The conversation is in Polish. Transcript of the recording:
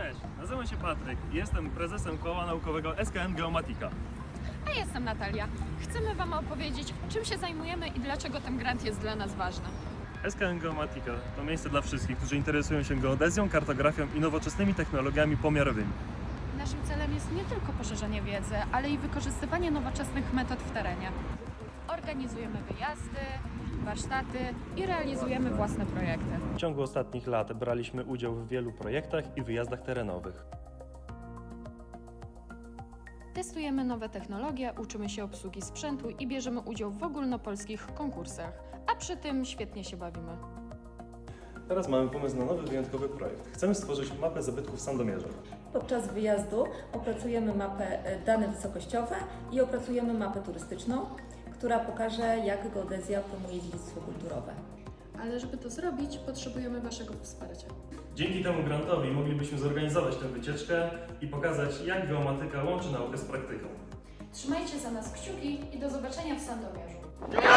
Cześć, nazywam się Patryk i jestem prezesem koła naukowego SKN Geomatika. A jestem Natalia. Chcemy Wam opowiedzieć, czym się zajmujemy i dlaczego ten grant jest dla nas ważny. SKN Geomatika to miejsce dla wszystkich, którzy interesują się geodezją, kartografią i nowoczesnymi technologiami pomiarowymi. Naszym celem jest nie tylko poszerzenie wiedzy, ale i wykorzystywanie nowoczesnych metod w terenie. Organizujemy wyjazdy, warsztaty i realizujemy własne projekty. W ciągu ostatnich lat braliśmy udział w wielu projektach i wyjazdach terenowych. Testujemy nowe technologie, uczymy się obsługi sprzętu i bierzemy udział w ogólnopolskich konkursach, a przy tym świetnie się bawimy. Teraz mamy pomysł na nowy, wyjątkowy projekt. Chcemy stworzyć mapę zabytków w Sandomierzu. Podczas wyjazdu opracujemy mapę dane wysokościowe i opracujemy mapę turystyczną, która pokaże, jak geodezja promuje dziedzictwo kulturowe. Ale żeby to zrobić, potrzebujemy Waszego wsparcia. Dzięki temu grantowi moglibyśmy zorganizować tę wycieczkę i pokazać, jak geomatyka łączy naukę z praktyką. Trzymajcie za nas kciuki i do zobaczenia w Sandomierzu.